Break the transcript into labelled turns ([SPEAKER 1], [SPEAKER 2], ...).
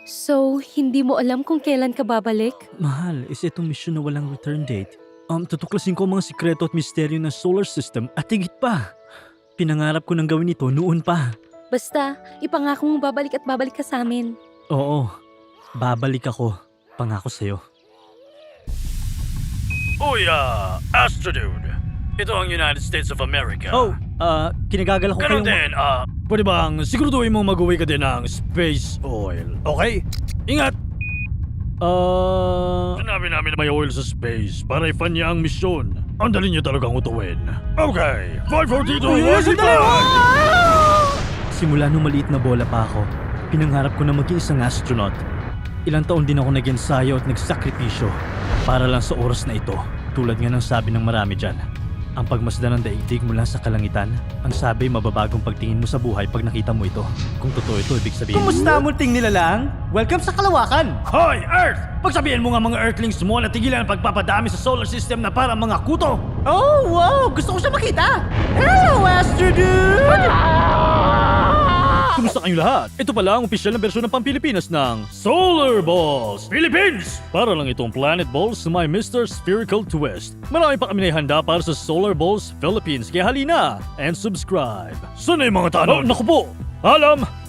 [SPEAKER 1] So, hindi mo alam kung kailan ka babalik?
[SPEAKER 2] Mahal, is itong mission na walang return date. Tutuklasin ko ang mga sikreto at misteryo ng solar system at higit pa. Pinangarap ko nang gawin ito noon pa.
[SPEAKER 1] Basta, ipangako mong babalik at babalik ka sa amin.
[SPEAKER 2] Oo, babalik ako. Pangako sa'yo.
[SPEAKER 3] Uy, Astrodude. Ito ang United States of America.
[SPEAKER 2] Oh, kinagagala ko
[SPEAKER 3] Ganun
[SPEAKER 2] kayong...
[SPEAKER 3] din, pwede bang siguraduhin mong mag-uwi ka din ng space oil, okay? Ingat! Sinabi namin na may oil sa space para i-fund niya ang misyon. Ang dali niyo talagang utuwin. Okay, 542,
[SPEAKER 2] Simula nung maliit na bola pa ako, pinangarap ko na maging isang astronaut. Ilang taon din ako nag-ensayo at nagsakripisyo para lang sa oras na ito. Tulad nga ng sabi ng marami dyan, ang pagmasdan ng daigdig mula sa kalangitan, ang sabi mababagong pagtingin mo sa buhay pag nakita mo ito. Kung totoo ito, ibig sabihin...
[SPEAKER 4] Kumusta munting nilalang? Welcome sa kalawakan!
[SPEAKER 3] Hoy, Earth! Pagsabihin mo nga mga Earthlings mo na tigilan ang pagpapadami sa solar system na para mga kuto!
[SPEAKER 4] Oh, wow! Gusto ko siya makita! Hello, Astro Dude!
[SPEAKER 3] Kumusta kayong lahat? Ito pala ang opisyal na bersyon ng Pampilipinas ng Solar Balls Philippines! Para lang itong Planet Balls na may Mr. Spherical Twist. Marami pa kami na ihanda para sa Solar Balls Philippines. Kaya halina and subscribe. Sana yung mga tanong? Naku po! Alam!